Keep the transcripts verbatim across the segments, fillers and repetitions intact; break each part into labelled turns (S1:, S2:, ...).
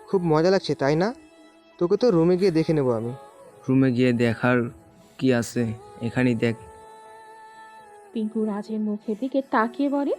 S1: খুব মজা লাগছে তাই না? তোকে তো রুমে গিয়ে দেখে নেব আমি।
S2: রুমে গিয়ে দেখার কি আছে, এখানেই দেখ।
S3: পিঙ্কু রাজের মুখের দিকে তাকিয়ে বলে,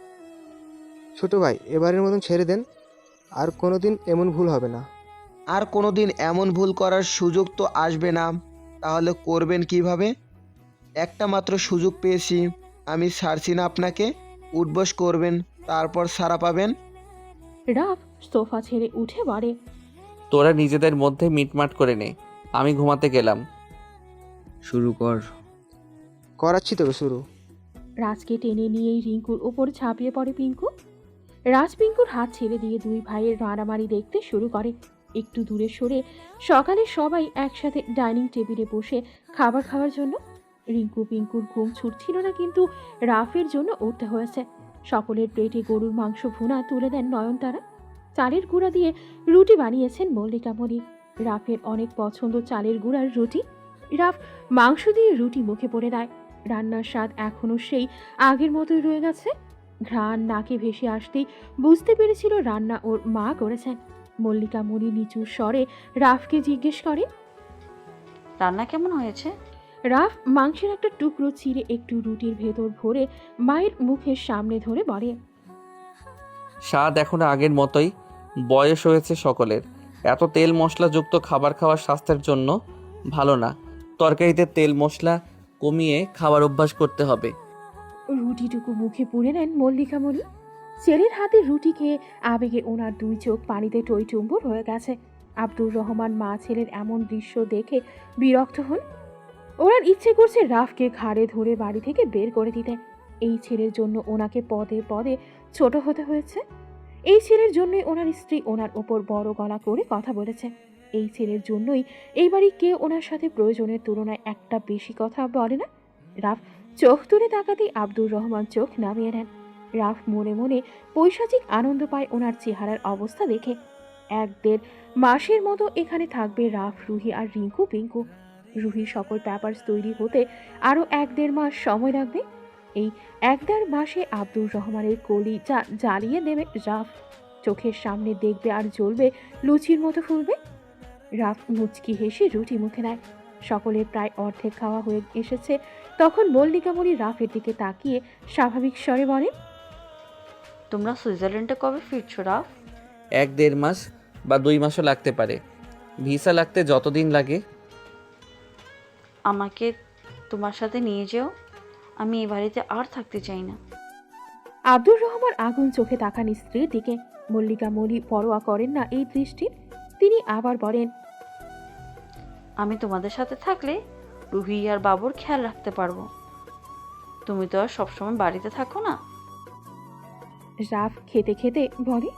S1: ছোট ভাই, এবারের মতন ছেড়ে দেন, আর কোনোদিন এমন ভুল হবে না।
S4: আর কোনোদিন এমন ভুল করার সুযোগ তো আসবে না। তাহলে করবেন কিভাবে? একটা মাত্র সুযোগ পেয়েছি, আমি ছাড়ছি না আপনাকে। উঠবস করবেন, তারপর সাড়া পাবেন।
S3: রাফ সোফা ছেড়ে উঠে বলে,
S5: তোরা নিজেদের মধ্যে মিটমাট করে নে, আমি ঘুমাতে গেলাম।
S2: শুরু কর।
S1: করাচ্ছি তবে শুরু।
S3: রাজকে টেনে নিয়েই রিঙ্কুর ওপর ঝাঁপিয়ে পড়ে পিঙ্কু। রাজ পিঙ্কুর হাত ছেড়ে দিয়ে দুই ভাইয়ের মারামারি দেখতে শুরু করে। একটু দূরে সরে সকালে সবাই একসাথে ডাইনিং টেবিলে বসে খাবার খাওয়ার জন্য। রিঙ্কু পিঙ্কুর ঘুম ছুটছিল না, কিন্তু রাফের জন্য উঠতে হয়েছে। সকলের প্লেটে গরুর মাংস ভুনা তুলে দেন নয়নতারা। চালের গুঁড়া দিয়ে রুটি বানিয়েছেন মল্লিকা মণি। রাফের অনেক পছন্দ চালের গুঁড়ার রুটি। রাফ মাংস দিয়ে রুটি মুখে পড়ে দেয়। রান্নার স্বাদ এখনো সেই আগের মতোই রয়ে গেছে। ঘ্রাণ নাকে ভেসে আসতেই বুঝতে পেরেছিল রান্না ওর মা করেছেন। মল্লিকা মণি নিচু স্বরে রাফকে জিজ্ঞেস করে,
S6: রান্না কেমন হয়েছে?
S3: রাফ মাংসের একটা টুকরো ছিঁড়ে একটু রুটির ভেতর ভরে মায়ের মুখের সামনে ধরে বলে,
S5: স্বাদ এখনো আগের মতোই, বয়স হয়েছে সকলের। এত তেল মশলাযুক্ত খাবার খাওয়া স্বাস্থ্যের জন্য ভালো না। তরকারিতে তেল মশলা কমিয়ে খাবার অভ্যাস করতে হবে।
S3: রুটিটুকু মুখে পুড়ে নেন মল্লিকা মণি। ছেলের হাতে রুটি খেয়ে আবেগে ওনার দুই চোখ পানিতে টইটুম্বুর হয়ে গেছে। আব্দুর রহমান মা ছেলের এমন দৃশ্য দেখে বিরক্ত হন। ওনার ইচ্ছে করছে রাফকে ঘাড়ে ধরে বাড়ি থেকে বের করে দিতে। এই ছেলের জন্য ওনাকে পদে পদে ছোট হতে হয়েছে। এই ছেলের জন্যই ওনার স্ত্রী ওনার ওপর বড় গলা করে কথা বলেছে। এই ছেলের জন্যই এই বাড়ি কেউ ওনার সাথে প্রয়োজনের তুলনায় একটা বেশি কথা বলে না। রাফ চোখ তুলে তাকাতেই আব্দুর রহমান চোখ নামিয়ে নেন। রাফ মনে মনে পৈশাচিক আনন্দ পায় ওনার চেহারার অবস্থা দেখে। এক দেড় মাসের মতো এখানে থাকবে রাফ, রুহি আর রিঙ্কু পিঙ্কু। রুহির সকল পেপারস তৈরি হতে আরও এক দেড় মাস সময় লাগবে। এই এক দেড় মাসে আব্দুর রহমানের কলি যা জ্বালিয়ে দেবে রাফ। চোখের সামনে দেখবে আর জ্বলবে, লুচির মতো ফুলবে। রাফ মুচকি হেসে রুটি মুখে নেয়। সকলের প্রায় অর্ধেক খাওয়া হয়ে এসেছে। তখন মল্লিকা মণি রাফের দিকে তাকিয়ে স্বাভাবিক স্বরে বলেন,
S6: তোমরা সুইজারল্যান্ডে কবে ফিরছো রাফ?
S5: এক দেড় মাস বা দুই মাসও লাগতে পারে। ভিসা লাগতে যতদিন লাগে।
S6: আমাকে তোমার সাথে নিয়ে যেও, আমি এই বাড়িতে আর থাকতে চাই না।
S3: আব্দুর রহমান আগুন চোখে তাকান স্ত্রীর দিকে। মল্লিকা মণি পরোয়া করেন না এই দৃষ্টির। তিনি আবার বলেন,
S6: আমি তোমাদের সাথে থাকলে রুহি আর বাবুর খেয়াল রাখতে পারবো। তুমি তো আর সবসময় বাড়িতে থাকো না।
S3: রাফ খেতে খেতে বলে,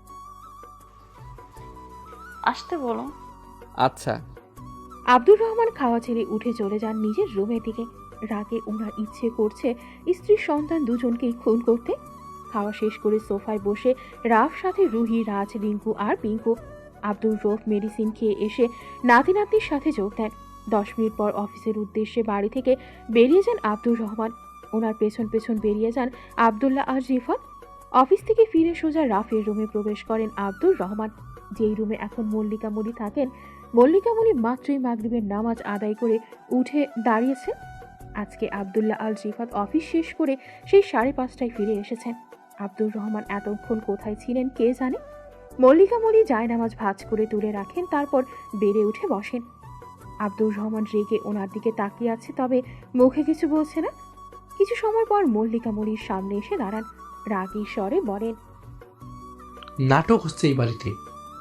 S6: আসতে বলো।
S5: আচ্ছা।
S3: আব্দুর রহমান খাওয়া ছেড়ে উঠে চলে যান নিজের রুমের দিকে। রাগে ওনার ইচ্ছে করছে স্ত্রী সন্তান দুজনকেই খুন করতে। খাওয়া শেষ করে সোফায় বসে রাফ সাথে রুহি, রাজ, রিঙ্কু আর পিঙ্কু। আব্দুর রফ মেডিসিন খেয়ে এসে নাতি নাতনির সাথে যোগ দেন। দশ মিনিট পর অফিসের উদ্দেশ্যে বাড়ি থেকে বেরিয়ে যান আব্দুর রহমান। ওনার পেছন পেছন বেরিয়ে যান আবদুল্লাহ আর রিফাত। অফিস থেকে ফিরে সোজা রাফের রুমে প্রবেশ করেন আব্দুর রহমান, যেই রুমে এখন মল্লিকা মণি থাকেন। মল্লিকা মণি মাত্রই মাগরিবের নামাজ আদায় করে উঠে দাঁড়িয়েছেন। আজকে আবদুল্লাহ আল রিফাত অফিস শেষ করে সেই সাড়ে পাঁচটায় ফিরে এসেছেন। আব্দুর রহমান এতক্ষণ কোথায় ছিলেন কে জানে। মল্লিকা মণি জায়নামাজ ভাঁজ করে তুলে রাখেন, তারপর বেড়ে উঠে বসেন। আব্দুর রহমান রেগে ওনার দিকে তাকিয়ে আছে, তবে মুখে কিছু বলছে না। কিছু সময় পর মল্লিকা মণির সামনে এসে দাঁড়ান। রাগী স্বরে বলেন,
S7: নাটক হচ্ছে এই বাড়িতে।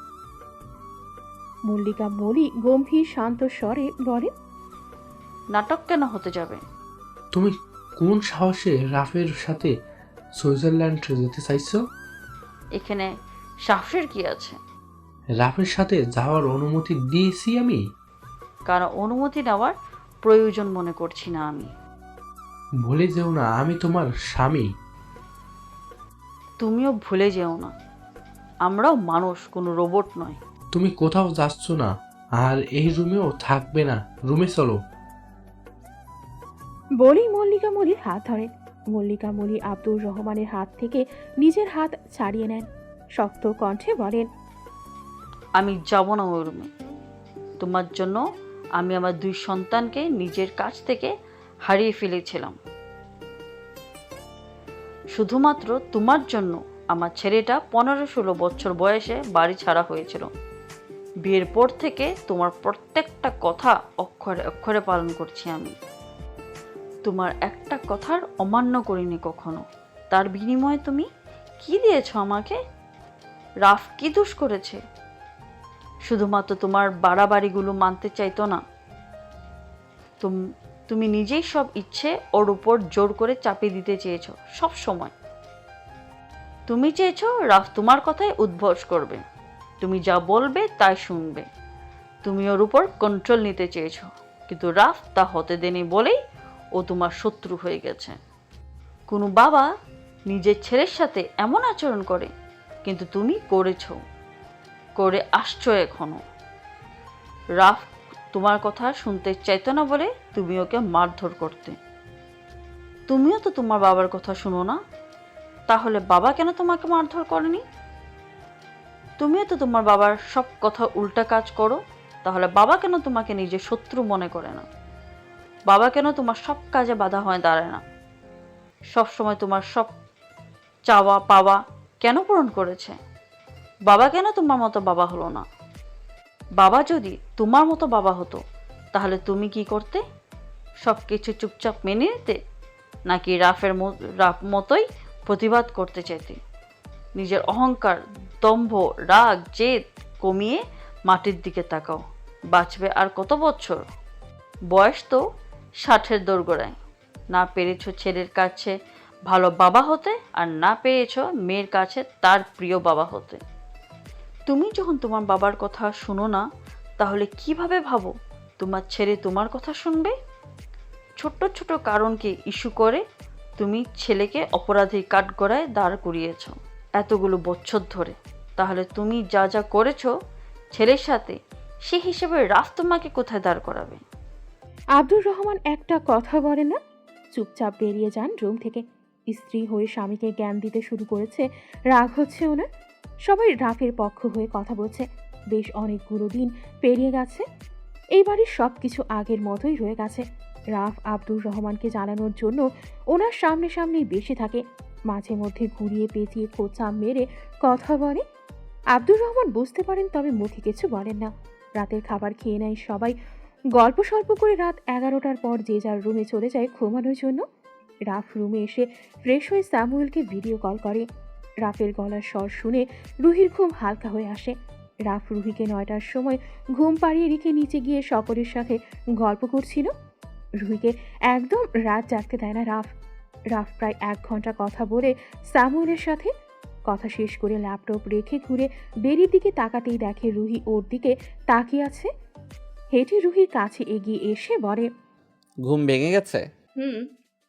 S3: মল্লিকা মণি গম্ভীর শান্ত স্বরে বলেন,
S6: নাটক কেন হতে যাবে?
S7: তুমি কোন সাহসে রাফের সাথে সুইজারল্যান্ড যেতে চাইছো?
S6: এখানে সাহসের কি আছে?
S7: রাফের সাথে যাওয়ার অনুমতি দিয়েছি আমি।
S6: কারণ অনুমতি নেওয়ার প্রয়োজন মনে করছি না আমি।
S7: ভুলে যেও না আমি তোমার স্বামী।
S6: তুমিও ভুলে যেও না, আমরাও মানুষ, কোনো রোবট নয়।
S7: তুমি কোথাও যাচ্ছ না, আর এই রুমেও থাকবে না। রুমে চলো।
S3: বলেই মল্লিকা মণির হাত ধরেন। মল্লিকা মণি আব্দুর রহমানের হাত থেকে নিজের হাত ছাড়িয়ে নেন। শক্ত কণ্ঠে বলেন,
S6: আমি যাব না ওই রুমে। তোমার জন্য আমি আমার দুই সন্তানকে নিজের কাছ থেকে হারিয়ে ফেলেছিলাম। শুধুমাত্র তোমার জন্য আমার ছেলেটা পনেরো ষোলো বছর বয়সে বাড়ি ছাড়া হয়েছিল। বিয়ের পর থেকে তোমার প্রত্যেকটা কথা অক্ষরে অক্ষরে পালন করছি আমি। তোমার একটা কথার অমান্য করিনি কখনো। তার বিনিময়ে তুমি কি দিয়েছ আমাকে? রাফ কি দোষ করেছে? শুধুমাত্র তোমার বাড়াবাড়িগুলো মানতে চাইতো না। তুমি নিজেই সব ইচ্ছে ওর উপর জোর করে চাপিয়ে দিতে চেয়েছো সব সময়। তুমি চেয়েছো রাফ তোমার কথায় উদ্ভস করবে, তুমি যা বলবে তাই শুনবে। তুমি ওর উপর কন্ট্রোল নিতে চেয়েছো, কিন্তু রাফ তা হতে দেনি বলেই ও তোমার শত্রু হয়ে গেছে। কোনো বাবা নিজের ছেলের সাথে এমন আচরণ করে, কিন্তু তুমি করেছো, করে আসছো এখনো। রাফ তোমার কথা শুনতে চাইতো না বলে তুমি ওকে মারধর করতে। তুমিও তো তোমার বাবার কথা শুনো না, তাহলে বাবা কেন তোমাকে মারধর করেনি? তুমিও তো তোমার বাবার সব কথা উল্টা কাজ করো, তাহলে বাবা কেন তোমাকে নিজের শত্রু মনে করে না? বাবা কেন তোমার সব কাজে বাধা হয়ে দাঁড়ায় না? সব সময় তোমার সব চাওয়া পাওয়া কেন পূরণ করেছে? বাবা কেন তোমার মতো বাবা হলো না? বাবা যদি তোমার মতো বাবা হতো তাহলে তুমি কি করতে? সব কিছু চুপচাপ মেনে নিতে, নাকি রাফের রাফ মতোই প্রতিবাদ করতে চাইতে? নিজের অহংকার, দম্ভ, রাগ, জেদ কমিয়ে মাটির দিকে তাকাও। বাঁচবে আর কত বছর? বয়স তো ষাটের দোরগোড়ায়। না পেরেছো ছেলের কাছে ভালো বাবা হতে, আর না পেরেছো মেয়ের কাছে তার প্রিয় বাবা হতে। তুমি যখন তোমার বাবার কথা শুনো না, তাহলে কিভাবে ভাবো তোমার ছেলে তোমার কথা শুনবে? ছোট্ট ছোট কারণকে ইস্যু করে তুমি ছেলেকে অপরাধী কাঠগড়ায় দাঁড় করিয়েছ এতগুলো বছর ধরে। তাহলে তুমি যা যা করেছো ছেলের সাথে, সে হিসেবে রাফ তোমাকে কোথায় দাঁড় করাবে?
S3: আব্দুর রহমান একটা কথা বলে না, চুপচাপ বেরিয়ে যান রুম থেকে। স্ত্রী হয়ে স্বামীকে জ্ঞান দিতে শুরু করেছে, রাগ হচ্ছে ওনার। সবাই রাফের পক্ষ হয়ে কথা বলছে। বেশ অনেকগুলো দিন পেরিয়ে গেছে, এই বাড়ির সব কিছু আগের মতোই রয়ে গেছে। রাফ আব্দুর রহমানকে জানানোর জন্য ওনার সামনে সামনেই বেশি থাকে, মাঝে মধ্যে ঘুরিয়ে পেঁচিয়ে খোঁচা মেরে কথা বলে। আব্দুর রহমান বুঝতে পারেন, তবে মুখে কিছু বলেন না। রাতের খাবার খেয়ে নেয় সবাই। গল্প স্বল্প করে রাত এগারোটার পর যে যার রুমে চলে যায় ঘুমানোর জন্য। রাফ রুমে এসে ফ্রেশ হয়ে স্যামুয়েলকে ভিডিও কল করে। রাফের গলার স্বর শুনে রুহির ঘুম হালকা হয়ে আসে। রাফ রুহিকে নয়টার সময় ঘুম পাড়িয়ে রেখে নিচে গিয়ে সকলের সাথে গল্প করছিল। রুহিকে একদম রাত জাগতে দেয় না রাফ। রাফ প্রায় এক ঘন্টা কথা বলে স্যামুয়েলের সাথে। কথা শেষ করে ল্যাপটপ রেখে ঘুরে বেরির দিকে তাকাতেই দেখে রুহি ওর দিকে তাকিয়ে আছে। হেঁটে রুহির কাছে এগিয়ে এসে বলে,
S5: ঘুম ভেঙে গেছে?
S8: হুম।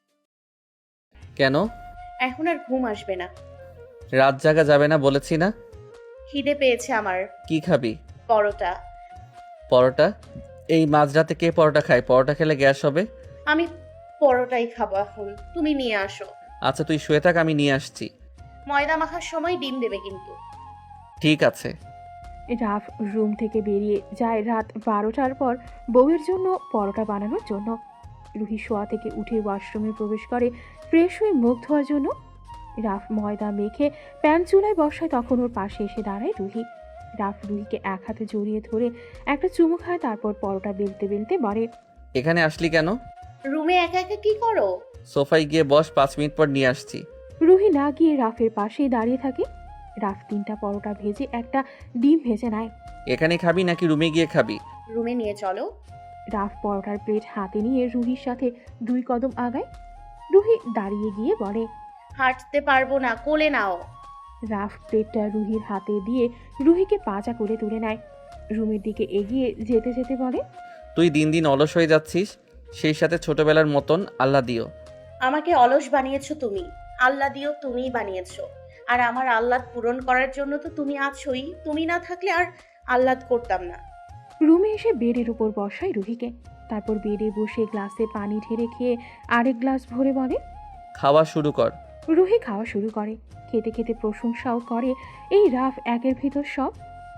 S5: কেন?
S8: এখন আর ঘুম আসবে না।
S5: রাত জাগা যাবে না বলেছি না?
S8: খিদে পেয়েছে আমার।
S5: কি খাবি?
S8: পরোটা।
S5: পরোটা? এই মাঝরাতে কে পরোটা খায়? পরোটা খেলে গ্যাস হবে।
S8: আমি পরোটাই খাবো এখন, তুমি নিয়ে আসো।
S5: আচ্ছা তুই শুয়ে থাক, আমি নিয়ে আসছি।
S8: ময়দা মাখার সময় ডিম দেবে কিন্তু।
S5: ঠিক আছে।
S3: রাফ রুম থেকে বেরিয়ে যায় রাত বারোটার পর বউয়ের জন্য পরোটা বানানোর জন্য। রুহি শোয়া থেকে উঠে ওয়াশরুমে প্রবেশ করে ফ্রেশ হয়ে মুখ ধোয়ার জন্য। রাফ ময়দা মেখে প্যান চুলায় বসায়, তখন ওর পাশে এসে দাঁড়ায় রুহি। রাফ রুহিকে এক হাতে জড়িয়ে ধরে একটা চুমু খায়, তারপর পরোটা বেলতে বেলতে বলে,
S5: এখানে আসলি কেন?
S8: রুমে একা একা কি করো?
S5: সোফায় গিয়ে বস, পাঁচ মিনিট পর নিয়ে আসছি।
S3: রুহি না গিয়ে রাফের পাশেই দাঁড়িয়ে থাকে। রাফ তিনটা পরোটা ভেজে একটা ডিম ভেজে নেয়।
S5: এখানে খাবি নাকি রুমে গিয়ে খাবি?
S8: রুমে নিয়ে চলো।
S3: রাফ পরোটার প্লেট হাতে নিয়ে রুহির সাথে দুই কদম আগায়। রুহি দাঁড়িয়ে গিয়ে বলে,
S8: হাঁটতে পারবো না, কোলে নাও।
S3: রাফ প্লেটটা রুহির হাতে দিয়ে রুহিকে পাজা করে তুলে নেয়। রুমের দিকে এগিয়ে যেতে যেতে বলে,
S5: তুই দিন দিন অলস হয়ে যাচ্ছিস, সেই সাথে ছোটবেলার মতন আল্লাহ দিও।
S8: আমাকে অলস বানিয়েছো তুমি, আল্লাহ দিও তুমিই বানিয়েছো। আর আমার আহ্লাদ পূরণ করার জন্য তো তুমি আছোই। তুমি না থাকলে আর আহ্লাদ করতাম না।
S3: রুমে এসে বেডের উপর বসায় রুহিকে। তারপর বেডে বসে গ্লাসে পানি ঢেলে খেয়ে আরেক গ্লাস ভরে বলে,
S5: খাওয়া শুরু কর।
S3: রুহি খাওয়া শুরু করে। খেতে খেতে প্রশংসাও করে এই রাফ একের ভিতর সব।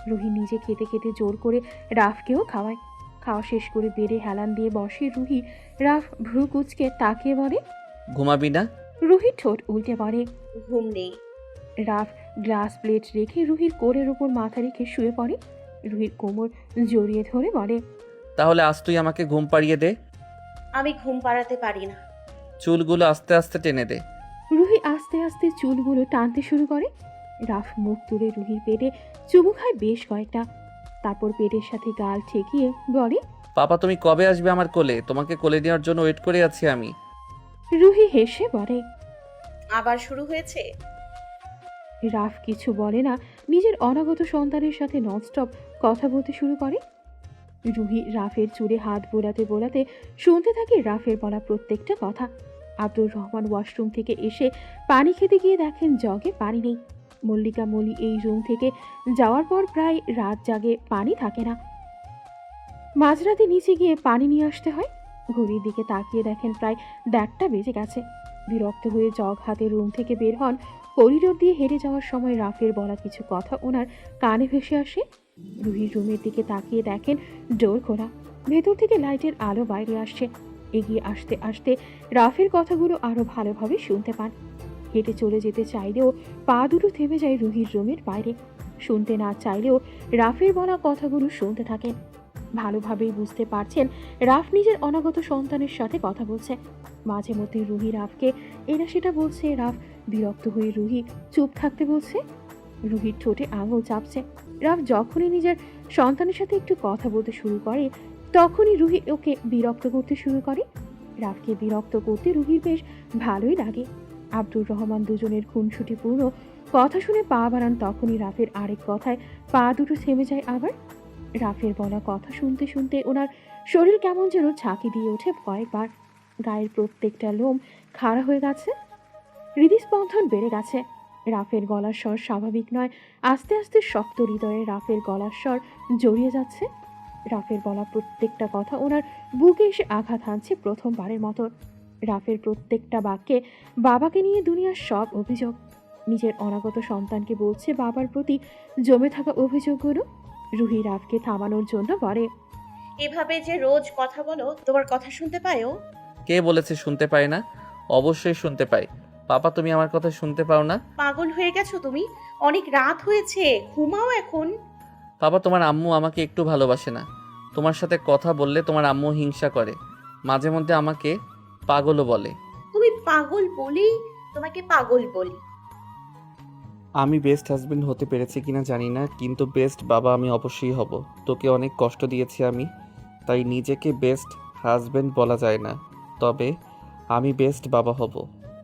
S3: রুহি নিজে খেতে খেতে জোর করে রাফকেও খাওয়ায়। খাওয়া শেষ করে বেডে হেলান দিয়ে বসে রুহি। রাফ ভ্রু কুচকে তাকিয়ে বলে।
S5: ঘুমাবি না?
S3: রুহি ঠোঁট উল্টে পড়ে।
S8: ঘুম নেই।
S3: রাফ গ্লাস প্লেট রেখে রুহির কোলের ওপর মাথা রেখে শুয়ে পড়ে। রুহির কোমর জড়িয়ে ধরে বলে,
S5: তাহলে আজ তুই আমাকে ঘুম পাড়িয়ে দে।
S8: আমি ঘুম পাড়াতে পারি না।
S5: চুলগুলো আস্তে আস্তে টেনে দে।
S3: রুহি আস্তে আস্তে চুলগুলো টানতে শুরু করে। রাফ মুখ তুলে রুহির পেটে চুমু খায় বেশ কয়েকটা, তারপর পেটের সাথে গাল ঠেকিয়ে বলে,
S5: পাপা তুমি কবে আসবে আমার কোলে? তোমাকে কোলে নেওয়ার জন্য ওয়েট করে আছি আমি।
S3: রুহি হেসে বলে।
S8: আবার শুরু হয়েছে?
S3: রাফ কিছু বলে না, নিজের অনাগত সন্তানের সাথে ননস্টপ কথা বলতে শুরু করে। রুহি রাফের চুলে হাত বোলাতে বোলাতে শুনতে থাকে রাফের বলা প্রত্যেকটা কথা। আব্দুর রহমান ওয়াশরুম থেকে এসে পানি খেতে গিয়ে দেখেন জগে পানি নেই। মল্লিকা মলি এই রুম থেকে যাওয়ার পর প্রায় রাত জাগে, পানি থাকে না। মাঝরাতে নিচে গিয়ে পানি নিয়ে আসতে হয়। ঘড়ির দিকে তাকিয়ে দেখেন প্রায় দেড়টা বেজে গেছে। বিরক্ত হয়ে জগ হাতে রুম থেকে বের হন। করিডোর দিয়ে হেঁটে যাওয়ার সময় রাফের বলা কিছু কথা ওনার কানে ভেসে আসে। রুহির রুমের দিকে তাকিয়ে দেখেন ডোর খোলা, ভেতর থেকে লাইটের আলো বাইরে আসছে। এগিয়ে আসতে আসতে রাফের কথাগুলো আরো ভালোভাবে শুনতে পান। হেঁটে চলে যেতে চাইলেও পা দুটো থেমে যায় রুহির রুমের বাইরে। শুনতে না চাইলেও রাফের বলা কথাগুলো শুনতে থাকেন। ভালোভাবেই বুঝতে পারছেন রাফ নিজের অনাগত সন্তানের সাথে কথা বলছে। মাঝে মধ্যে রুহি রাফকে এরা সেটা বলছে। রাফ বিরক্ত হয়ে রুহি চুপ থাকতে বলছে। রুহির ঠোঁটে আঙুল চাপছে। রাফ যখনই নিজের সন্তানের সাথে একটু কথা বলতে শুরু করে তখনই রুহি ওকে বিরক্ত করতে শুরু করে। রাফকে বিরক্ত করতে রুহির বেশ ভালোই লাগে। আব্দুর রহমান দুজনের খুনসুটিপূর্ণ কথা শুনে পা বাড়ান, তখনই রাফের আরেক কথায় পা দুটো থেমে যায় আবার। রাফের বলা কথা শুনতে শুনতে ওনার শরীর কেমন যেন ঝাঁকি দিয়ে ওঠে কয়েকবার। গায়ের প্রত্যেকটা লোম খাড়া হয়ে গেছে, হৃদস্পন্দন বেড়ে গেছে। রাফের গলার স্বর স্বাভাবিক নয়, আস্তে আস্তে শক্ত হৃদয়ে রাফের গলার স্বর জড়িয়ে যাচ্ছে। রাফের বলা প্রত্যেকটা কথা ওনার বুকে এসে আঘাত হানছে প্রথমবারের মতো। রাফের প্রত্যেকটা বাক্যে বাবাকে নিয়ে দুনিয়ার সব অভিযোগ। নিজের অনাগত সন্তানকে বলছে বাবার প্রতি জমে থাকা অভিযোগগুলো। রুহি রাফকে থামানোর জন্য বলে,
S8: এভাবে যে রোজ কথা বলো, তোমার কথা শুনতে পায়ও?
S5: কে বলেছে শুনতে পায় না? অবশ্যই শুনতে পাই। পাপা তুমি আমার কথা শুনতে পাও না?
S8: পাগল হয়ে গেছো তুমি? অনেক রাত হয়েছে, ঘুমাও এখন।
S5: পাপা তোমার আম্মু আমাকে একটু ভালোবাসে না। তোমার সাথে কথা বললে তোমার আম্মু হিংসা করে, মাঝে মধ্যে আমাকে পাগলও বলে।
S8: তুমি পাগল বলেই তোমাকে পাগল বলি।
S5: আমি বেস্ট হাজবেন্ড হতে পেরেছি কিনা জানি না, কিন্তু বেস্ট বাবা আমি অবশ্যই হব। তোকে অনেক কষ্ট দিয়েছি আমি, তাই নিজেকে বেস্ট হাজবেন্ড বলা যায় না, তবে আমি বেস্ট বাবা হব।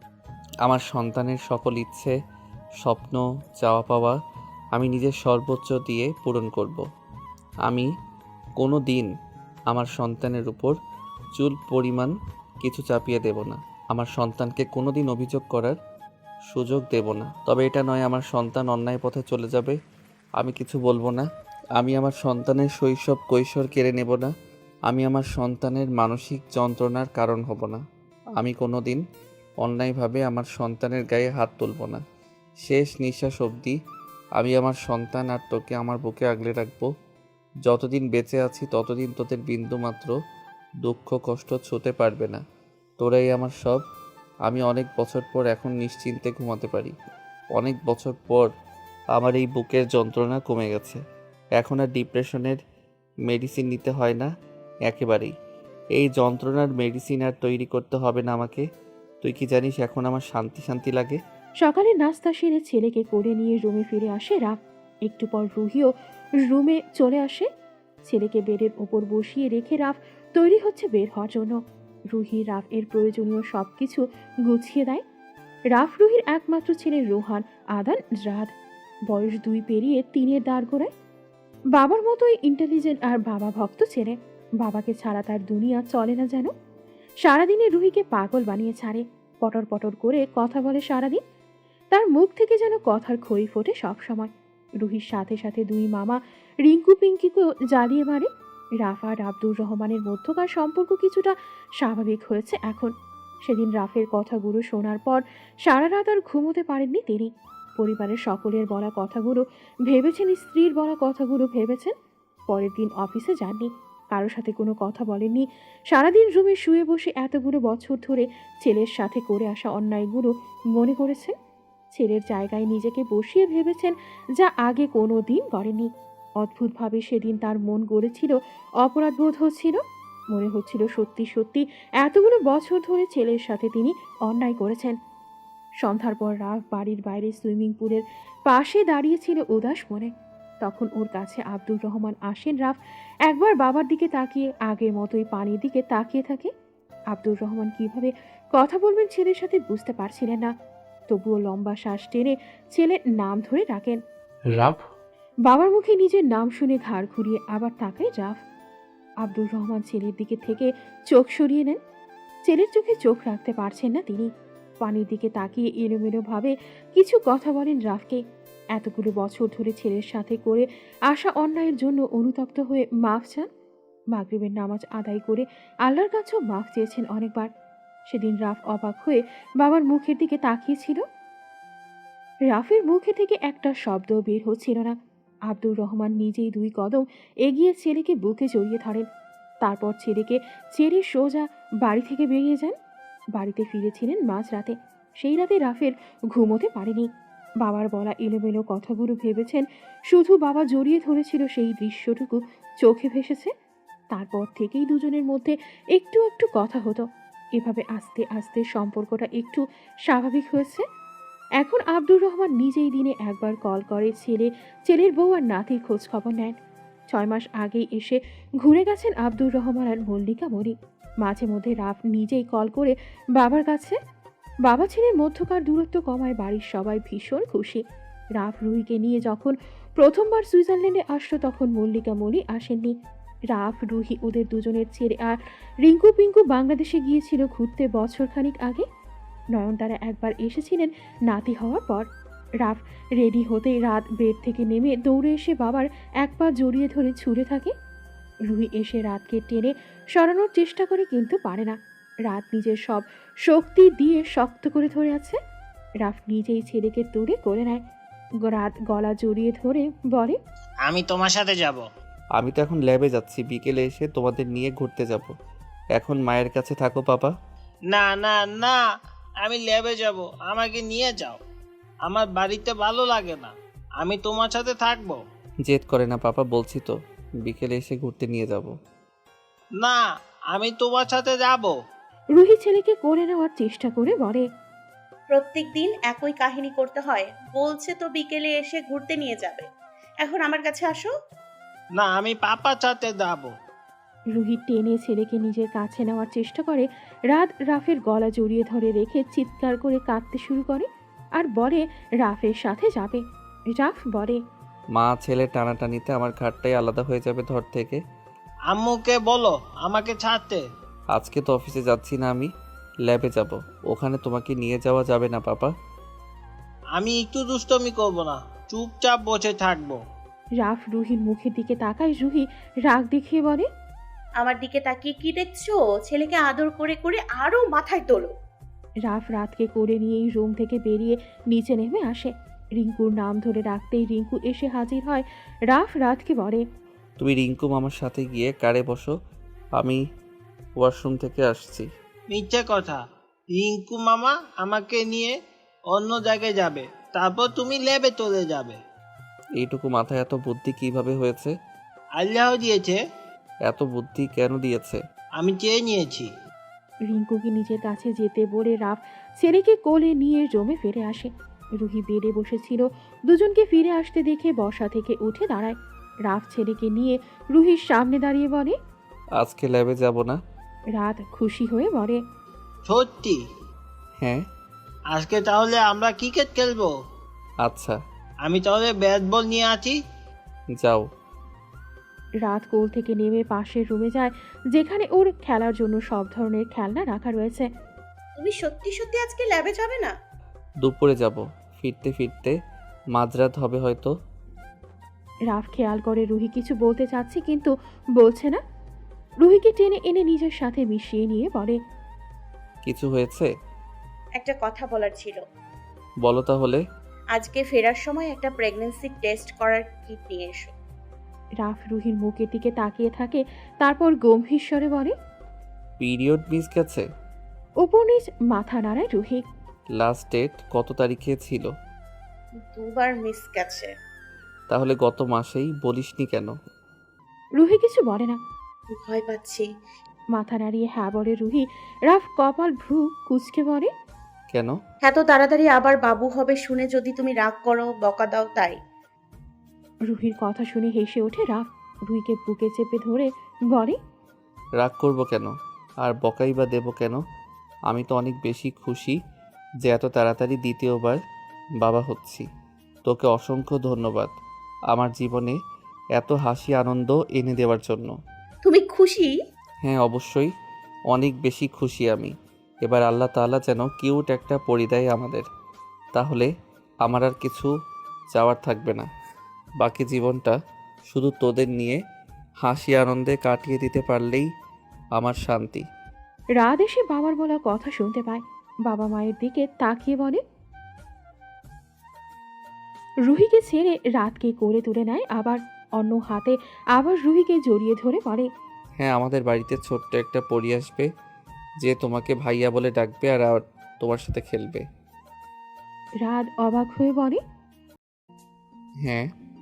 S5: আমার সন্তানের সকল ইচ্ছে, স্বপ্ন, চাওয়া পাওয়া আমি নিজের সর্বোচ্চ দিয়ে পূরণ করব। আমি কোনো দিন আমার সন্তানের উপর চুল পরিমাণ কিছু চাপিয়ে দেব না। আমার সন্তানকে কোনো দিন অভিযোগ করার সুযোগ দেব না। তবে এটা নয় আমার সন্তান অন্যায় পথে চলে যাবে, আমি কিছু বলবো না। আমি আমার সন্তানের শৈশব কৈশোর কেড়ে নেব না। আমি আমার সন্তানের মানসিক যন্ত্রণার কারণ হব না। আমি কোনো দিন অন্যায়ভাবে আমার সন্তানের গায়ে হাত তুলব না। শেষ নিঃশ্বাস অবধি আমি আমার সন্তান আর তোকে আমার বুকে আগলে রাখবো। যতদিন বেঁচে আছি ততদিন তোদের বিন্দুমাত্র দুঃখ কষ্ট ছুঁতে পারবে না। তোরাই আমার সব। আমি অনেক বছর পর এখন নিশ্চিন্তে ঘুমাতে পারি। অনেক বছর পর আমার এই বুকের যন্ত্রণা কমে গেছে। এখন আর ডিপ্রেশনের মেডিসিন নিতে হয় না একেবারেই। এই যন্ত্রণার মেডিসিন আর তৈরি করতে হবে না আমাকে। তুই কি জানিস এখন আমার শান্তি শান্তি লাগে?
S3: সকালে নাস্তা সেরে ছেলেকে কোলে নিয়ে রুমে ফিরে আসে রাফ। একটু পর রুহিও রুমে চলে আসে। ছেলেকে বেডের ওপর বসিয়ে রেখে রাফ তৈরি হচ্ছে বের হওয়ার জন্য। রুহি রাফ এর প্রয়োজনীয় সব কিছু গুছিয়ে দেয়। রাফ রুহির একমাত্র ছেলে রোহান, আদান, রাত। বয়স দুই পেরিয়ে তিনের দাঁড় গোড়ায়। বাবার মতোই ইন্টেলিজেন্ট আর বাবা ভক্ত ছেলে। বাবাকে ছাড়া তার দুনিয়া চলে না যেন। সারাদিনে রুহিকে পাগল বানিয়ে ছাড়ে, পটর পটর করে কথা বলে সারাদিন। তার মুখ থেকে যেন কথার খই ফোটে সব সময়। রুহির সাথে সাথে দুই মামা রিঙ্কু পিঙ্কিকেও জ্বালিয়ে মারে। রাফ আর আব্দুর রহমানের মধ্যকার সম্পর্ক কিছুটা স্বাভাবিক হয়েছে এখন। সেদিন রাফের কথাগুলো শোনার পর সারা রাত আর ঘুমোতে পারেননি তিনি। পরিবারের সকলের বলা কথাগুলো ভেবেছেন, স্ত্রীর বলা কথাগুলো ভেবেছেন। পরের দিন অফিসে যাননি, কারোর সাথে কোনো কথা বলেননি। সারাদিন রুমে শুয়ে বসে এতগুলো বছর ধরে ছেলের সাথে করে আসা অন্যায়গুলো মনে করেছেন। ছেলের জায়গায় নিজেকে বসিয়ে ভেবেছেন, যা আগে কোনো দিন করেনি। অদ্ভুতভাবে সেদিন তার মন গড়েছিল, অপরাধ বোধ হচ্ছিল। মনে হচ্ছিল সত্যি সত্যি এতগুলো বছর ধরে ছেলের সাথে তিনি অন্যায় করেছেন। সন্ধ্যার পর রাফ বাড়ির বাইরে সুইমিং পুলের পাশে দাঁড়িয়েছিল উদাস মনে। তখন ওর কাছে আব্দুর রহমান আসেন। রাফ একবার বাবার দিকে তাকিয়ে আগের মতোই পানির দিকে তাকিয়ে থাকে। আব্দুর রহমান কিভাবে কথা বলবেন ছেলের সাথে বুঝতে পারছিলেন না, তবুও লম্বা শ্বাস টেনে ছেলের নাম ধরে ডাকেন।
S7: রাফ।
S3: বাবার মুখে নিজের নাম শুনে ঘাড় ঘুরিয়ে আবার তাকায় রাফ। আব্দুর রহমান ছেলের দিকে থেকে চোখ সরিয়ে নেন। ছেলের চোখে চোখ রাখতে পারছেন না তিনি। পানির দিকে তাকিয়ে এলোমেলো ভাবে কিছু কথা বলেন রাফকে। এতগুলো বছর ধরে ছেলের সাথে করে আসা অন্যায়ের জন্য অনুতপ্ত হয়ে মাফ চান। মাগরিবের নামাজ আদায় করে আল্লাহর কাছেও মাফ চেয়েছেন অনেকবার। সেদিন রাফ অবাক হয়ে বাবার মুখের দিকে তাকিয়েছিল। রাফের মুখে থেকে একটা শব্দ বের হচ্ছিল না। আব্দুর রহমান নিজেই দুই কদম এগিয়ে ছেলেকে বুকে জড়িয়ে ধরেন। তারপর ছেলেকে ছেড়ে সোজা বাড়ি থেকে বেরিয়ে যান। বাড়িতে ফিরেছিলেন মাঝরাতে। সেই রাতে রাফের ঘুমোতে পারেনি। বাবার বলা এলোমেলো কথাগুলো ভেবেছেন, শুধু বাবা জড়িয়ে ধরেছিল সেই দৃশ্যটুকু চোখে ভেসেছে। তারপর থেকেই দুজনের মধ্যে একটু একটু কথা হতো। এভাবে আস্তে আস্তে সম্পর্কটা একটু স্বাভাবিক হয়েছে। এখন আব্দুর রহমান নিজেই দিনে একবার কল করে ছেলে, ছেলের বউ আর নাতির খোঁজ খবর নেন। ছয় মাস আগেই এসে ঘুরে গেছেন আব্দুর রহমান আর মল্লিকা মনি। মাঝে মধ্যে রাফ নিজেই কল করে বাবার কাছে। বাবা ছেলের মধ্যকার দূরত্ব কমায় বাড়ির সবাই ভীষণ খুশি। রাফ রুহিকে নিয়ে যখন প্রথমবার সুইজারল্যান্ডে আসলো তখন মল্লিকা মনি আসেননি। রাফ, রুহি ওদের দুজনের ছেড়ে আর রিঙ্কু পিঙ্কু বাংলাদেশে গিয়েছিল ঘুরতে বছরখানিক আগে। নয়নতারা একবার এসেছিলেন নাতি হওয়ার পর। রাফ রেডি হতেই রাত বেড থেকে নেমে দৌড়ে এসে বাবার এক পা জড়িয়ে ধরে ছুঁড়ে থাকে। রুহি এসে রাতকে টেনে সরানোর চেষ্টা করে কিন্তু পারে না। রাত নিজের সব শক্তি দিয়ে শক্ত করে ধরে আছে। রাফ নিজেই ছেলেকে তুলে করে নেয়। রাত গলা জড়িয়ে ধরে বলে,
S9: আমি তোমার সাথে যাব।
S5: আমি তো এখন ল্যাবে যাচ্ছি, বিকেলে এসে তোমাদের নিয়ে ঘুরতে যাব। এখন মায়ের কাছে থাকো পাপা।
S9: না না না, আমি ল্যাবে যাব, আমাকে নিয়ে যাও। আমার বাড়িতে ভালো লাগে না, আমি তোমার সাথে থাকবো।
S5: জেদ করে না পাপা, বলছি তো বিকেলে এসে ঘুরতে নিয়ে যাব।
S9: না, আমি তোমার সাথে যাব।
S3: রুহি ছেলেকে করে নেওয়ার চেষ্টা করে বলে,
S8: প্রত্যেক দিন একই কাহিনী করতে হয়। বলছে তো বিকেলে এসে ঘুরতে নিয়ে যাবে, এখন আমার কাছে আসো।
S9: না, আমি পাপার সাথে যাব।
S3: রুহি টেনে ছেলেকে নিজের কাছে নেওয়ার চেষ্টা করে। রাত রাফের গলা জড়িয়ে ধরে রেখে চিৎকার করে কাঁদতে শুরু করে আর বলে রাফের সাথে যাবে। রাফ বলে,
S5: মা ছেলে টানাটানিতে আমার ঘাটটাই আলাদা হয়ে যাবে ধর থেকে।
S9: আম্মুকে বলো আমাকে ছাড়তে।
S5: আজকে তো অফিসে যাচ্ছি না, আমি ল্যাবে যাব। ওখানে তোমাকে নিয়ে যাওয়া যাবে না পাপা।
S9: আমি একটু দুষ্টমি করব না, চুপচাপ বসে থাকবো।
S3: রাফ রুহির মুখের দিকে তাকায়। রুহি রাগ দেখিয়ে বলে,
S8: আমার দিকে তাকিয়ে কি দেখছো? ছেলেকে আদর করে করে আরো মাথায় তোলো।
S3: রাফ রাতকে করে নিয়েই রুম থেকে বেরিয়ে নিচে নেমে আসে। রিঙ্কুর নাম ধরে ডাকতেই রিঙ্কু এসে হাজির হয়। রাফ রাতকে বলে,
S5: তুমি রিঙ্কু মামার সাথে গিয়ে কারে বসো, আমি ওয়াশরুম থেকে আসছি।
S9: মিথ্যে কথা, রিঙ্কু মামা আমাকে নিয়ে অন্য জায়গায় যাবে, তারপর তুমি ল্যাবে চলে যাবে।
S5: এইটুকু মাথায় এত বুদ্ধি কিভাবে হয়েছে?
S9: আল্লাহ দিয়েছে।
S5: এত বুদ্ধি কেন দিয়েছে?
S9: আমি চেয়ে নিয়েছি।
S3: রিঙ্কুকে নিজের কাছে যেতে বলে রাফ ছেলেকে কোলে নিয়ে রুমে ফিরে আসে। রুহি বেডে বসেছিল। দুজনকে ফিরে আসতে দেখে বসা থেকে উঠে দাঁড়ায়। রাফ ছেলেকে নিয়ে রুহির সামনে দাঁড়িয়ে বলে,
S5: আজকে ল্যাবে যাব না।
S3: রাত খুশি হয়ে বলে,
S9: সত্যি?
S5: হ্যাঁ।
S9: আজকে তাহলে আমরা ক্রিকেট খেলবো।
S5: আচ্ছা।
S9: আমি তাহলে ব্যাট বল নিয়ে আছি।
S5: যাও।
S3: রাত কোল থেকে নেমে পাশের রুমে যায়, যেখানে ওর খেলার জন্য সব ধরনের খেলনা রাখা রয়েছে।
S8: তুমি সত্যি সত্যি আজকে ল্যাবে যাবে না?
S5: দুপুরে যাব, ফিরতে ফিরতে মাঝরাত হবে হয়তো।
S3: রাফ খেয়াল করে রুহি কিছু বলতে চাচ্ছে কিন্তু বলছে না। রুহিকে টেনে এনে নিজের সাথে মিশিয়ে নিয়ে বলে,
S5: কিছু হয়েছে?
S8: একটা কথা বলার ছিল।
S5: বলো তাহলে।
S8: আজকে ফেরার সময় একটা প্রেগন্যান্সি টেস্ট করার কিট নিয়ে এসো।
S3: রাফ রুহির মুখের দিকে তাকিয়ে থাকে, তারপর গম্ভীর স্বরে বলে,
S5: পিরিয়ড মিস গেছে?
S3: উপর নিচ মাথা নাড়ায় রুহি।
S5: লাস্ট ডেট কত তারিখে ছিল?
S8: দুবার মিস গেছে।
S5: তাহলে গত মাসেই বলিসনি কেন?
S3: রুহি কিছু বলে না,
S8: ভয় পাচ্ছি।
S3: মাথা নাড়িয়ে হ্যাঁ বলে রুহি। রাফ কপাল ভ্রু কুঁচকে বলে,
S5: কেন?
S8: এত তাড়াতাড়ি আবার বাবু হবে শুনে যদি তুমি রাগ করো, বকা দাও তাই।
S3: রুহির কথা শুনে হেসে ওঠে রাফ। রুহিকে বুকে চেপে ধরে বলে,
S5: রাগ করব কেন? আর বকাই বা দেব কেন? আমি তো অনেক বেশি খুশি যে এত তাড়াতাড়ি দ্বিতীয়বার বাবা হচ্ছি। তোকে অসংখ্য ধন্যবাদ আমার জীবনে এত হাসি আনন্দ এনে দেওয়ার জন্য।
S8: তুমি খুশি?
S5: হ্যাঁ, অবশ্যই অনেক বেশি খুশি আমি। এবার আল্লাহ তাআলা যেন কিউট একটা পরিদায় আমাদের, তাহলে আমার আর কিছু চাওয়ার থাকবে না। বাকি জীবনটা শুধু তোদের নিয়ে হাসি আনন্দে কাটিয়ে দিতে পারলেই আমার শান্তি।
S3: রাত এসে বাবার বলা কথা শুনতে পায়। বাবা মায়ের দিকে তাকিয়ে বলে, রুহিকে ছেড়ে রাতকে করে তুলে নেয়, আবার অন্য হাতে আবার রুহিকে জড়িয়ে ধরে বলে,
S5: হ্যাঁ, আমাদের বাড়িতে ছোট্ট একটা পরী আসবে যে তোমাকে ভাইয়া বলে ডাকবে আর আর তোমার সাথে খেলবে।
S3: রাত অবাক হয়ে বলে,
S5: হ্যাঁ,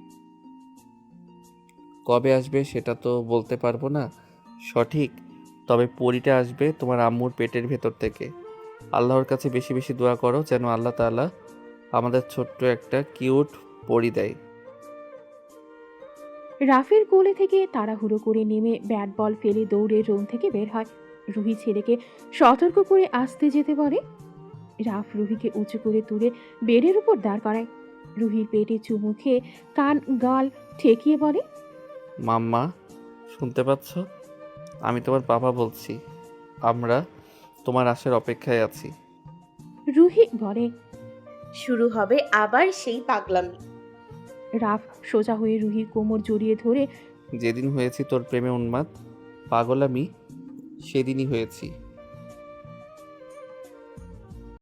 S5: কবে আসবে সেটা তো বলতে পারবো না সঠিক, তবে পরীটা আসবে তোমার আম্মুর পেটের ভেতর থেকে। আল্লাহর কাছে বেশি বেশি দোয়া করো যেন আল্লাহ তাআলা আমাদের ছোট্ট একটা কিউট পরী দেয়।
S3: রাফের কোলে থেকে তাড়াহুড়ো করে নেমে ব্যাট বল ফেলে দৌড়ে রুম থেকে বের হয়। রুহি ছেলেকে সতর্ক করে আসতে যেতে বলে। রাফ রুহিকে উঁচু করে তুলে বেডের উপর দাঁড় করায়। রুহির পেটে চুমু খেয়ে কান গাল ঠেকিয়ে বলে,
S5: মাম্মা, শুনতে পাচ্ছ? আমি তোমার বাবা বলছি। আমরা তোমার আসার অপেক্ষায় আছি।
S3: রুহি বলে।
S8: শুরু হবে আবার সেই পাগলামি।
S3: রাফ সোজা হয়ে রুহির কোমর জড়িয়ে ধরে,
S5: যেদিন হয়েছি তোর প্রেমে উন্মাদ পাগল আমি, সেদিনই হয়েছি।